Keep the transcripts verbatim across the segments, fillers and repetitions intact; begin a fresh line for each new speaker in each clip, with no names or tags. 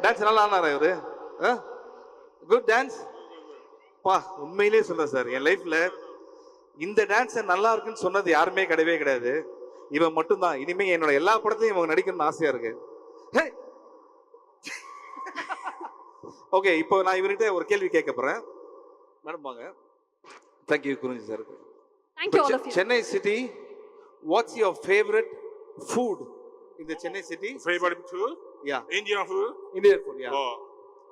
Dance நல்லா ஆனாரா இவரு? Good dance பா. உண்மையிலேயே சொல்றேன் சார், என் லைஃப்ல இந்த டான்ஸ் நல்லா இருக்குன்னு சொன்னது யாருமே கிடையவே கிடையாது. இவன் மட்டும்தான். இனிமே என்னோட எல்லா படத்தையும் இவங்க நடிக்கணும்னு ஆசையா இருக்கு. ஓகே, இப்போ நான் இவர்கிட்ட ஒரு கேள்வி கேட்க போறேன். மேடம் வாங்க. Thank you Kurunji sir.
Thank you all of you.
Chennai city, what's your favorite food in the Chennai city?
Favorite food?
Yeah.
Indian food?
Indian food, yeah.
Oh.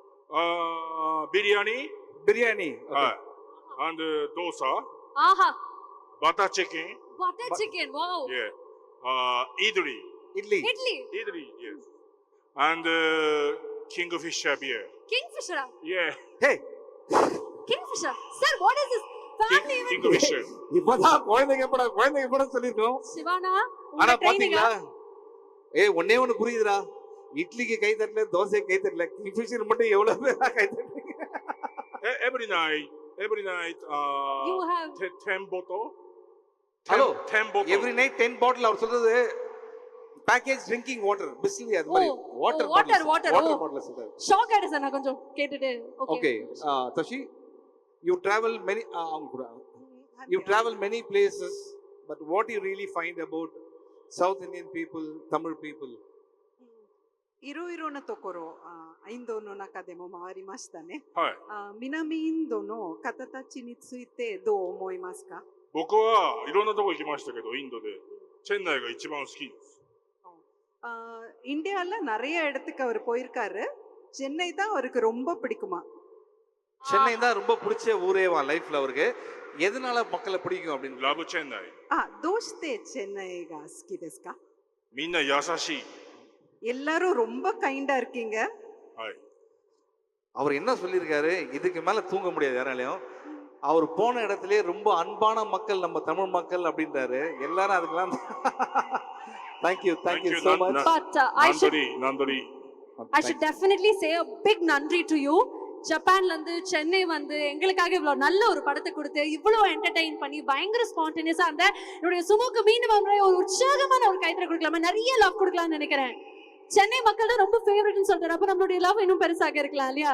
Uh, biryani.
Biryani. Okay.
Uh, and uh, dosa.
Aha.
Butter chicken.
Butter chicken. Wow.
Yeah. Uh, idli.
Idli.
Idli.
Idli, yes. And uh, Kingfisher beer.
Kingfisher.
Yeah.
Hey.
Kingfisher. Sir, what is this? Family
King,
event.
Kingfisher.
இப்பதான் குழந்தைங்க படம் குழந்தைங்க படம் சொல்லிருக்கோம்.
சிவானா,
ஆனா
உங்க ட்ரைனிங்கா?
பாத்தீங்களா? ஏய் ஒண்ணே ஒண்ணு புரியுதுடா. இட்லிக்கு கை தட்டல, தோசைக்கு கை தட்டல. கிங்ஃபிஷர் மட்டும் எவ்வளவு பேரா கை தட்டுறீங்க?
Every night, every night, uh,
You have
t- ten bottle.
Hello.
Ten bottle.
Every night ten bottle அவர் சொல்றது package drinking water, பிஸ்லி அது மாதிரி
Oh,
water
oh, water,
bottles.
water,
water
oh.
bottles சொல்றாரு.
ஷாக் ஆயிடு sir, நான் கொஞ்சம் கேட்டுட்டு.
Okay, uh, Tashi, you travel many uh, அவங்க கூட you travel many places, but what do you really find about South Indian people, Tamil people?
いろいろなところ、インドの中でも回りましたね。
はい。
南インドの方たちについてどう思いますか？
僕はいろんなとこ行きましたけど、インドでチェンナイが一番好きです。
இந்தியாவில் நிறைய இடத்துக்கு அவர் போயிருக்காரு. சென்னை தான் அவருக்கு ரொம்ப பிடிக்குமா?
சென்னை தான் ரொம்ப பிடிச்ச ஊரேவா லைஃப்ல அவருக்கு. எதனால மக்களை பிடிக்கும் அப்படின்னு?
ラブチェンナイ。
あ、どうしてチェンナイが好きですか？
みんな優しい。
எல்லாரும் ரொம்ப கைண்டா இருக்கீங்க.
はい。
அவர் என்ன சொல்லியிருக்காரு, இதுக்கு மேல தூங்க முடியாது யாராலையும். அவர் போன இடத்துலயே ரொம்ப அன்பான மக்கள் நம்ம தமிழ் மக்கள் அப்படின்றாரு. எல்லாரும் அதுக்கெல்லாம் thank you thank you so much.
But uh, I should
நன்றி நன்றி.
I should definitely say a big நன்றி to you. ஜப்பான்ல இருந்து சென்னை வந்து எங்களுக்காக இவ்வளவு நல்ல ஒரு படத்தை கொடுத்து இவ்வளவு என்டர்டெயின் பண்ணி பயங்கர ஸ்பான்டேனியஸா அந்த என்னுடைய சுமுக்கு மீண்டும் ஒரு உற்சாகமான ஒரு கைத்தற கொடுக்கலாமா, நிறைய லவ் கொடுக்கலாம்னு நினைக்கிறேன். சென்னை மக்கள் தான் ரொம்ப ஃபேவரட்னு சொல்றாரு. அப்ப நம்மளுடைய லவ் இன்னும் பெருசாக இருக்கலாம் இல்லையா?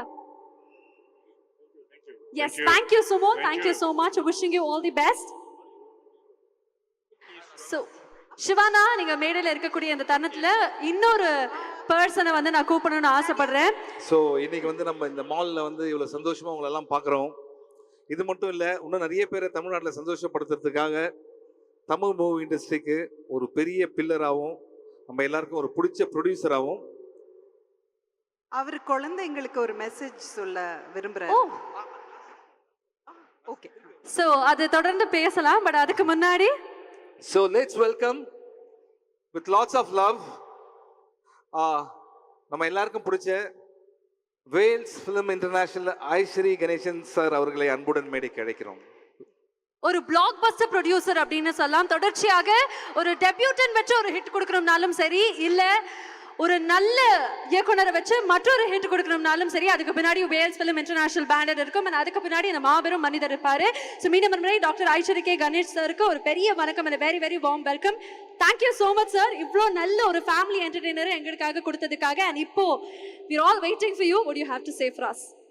Yes, thank you Sumo, thank you so much, wishing you all the best. So சிவானா, நீங்க மேடையில இருக்கக்கூடிய இந்த தருணத்துல இன்னொரு பர்சனை வந்து நான் கூப்பிடணும்னு ஆசைப்படுறேன்.
ஸோ இன்னைக்கு வந்து நம்ம இந்த மால்ல வந்து இவ்வளவு சந்தோஷமா உங்களை எல்லாம் பாக்குறோம். இது மட்டும் இல்ல, இன்னும் நிறைய பேரை தமிழ்நாட்டில் சந்தோஷப்படுத்துறதுக்காக தமிழ் மூவி இண்டஸ்ட்ரிக்கு ஒரு பெரிய பில்லராகவும் நம்ம எல்லாருக்கும் ஒரு பிடிச்ச ப்ரொடியூசராகவும்
அவர் குழந்தைங்களுக்கு ஒரு மெசேஜ் சொல்ல விரும்புறாரு. ஓகே,
சோ அது தொடர்ந்து பேசலாம். பட் அதுக்கு முன்னாடி
So let's welcome with lots of love uh, நம்ம எல்லாருக்கும் பிடிச்ச Vels film international Ishari Ganesan sir அவர்களை அன்புடன் மேடைக்கு அழைக்கிறோம்.
ஒரு பிளாக் பஸ்டர் ப்ரொடியூசர் அப்படின்னு சொல்லலாம். தொடர்ச்சியாக ஒரு டெபியூட்டன் வச்சு ஒரு ஹிட் கொடுக்கணும்னாலும் சரி, இல்ல ஒரு நல்ல இயக்குனரை வச்சு மற்றொரு ஹிட் கொடுக்கணும்னாலும் சரி, அதுக்கு பின்னாடி வேல்ஸ் ஃபிலிம் இன்டர்நேஷனல் பேனர் இருக்கும். அதுக்கு பின்னாடி இந்த மாபெரும் மனிதர் இருப்பாரு. ஸோ மீண்டும் முறை டாக்டர் ஐஸ்வரி கே கணேஷ் சாருக்கு ஒரு பெரிய வணக்கம் and a very very warm welcome. Thank you so much sir. இவ்வளோ நல்ல ஒரு ஃபேமிலி என்டர்டெய்னர் எங்களுக்காக கொடுத்ததுக்காக. அண்ட் இப்போ we are all waiting for you. What do you have to say for us?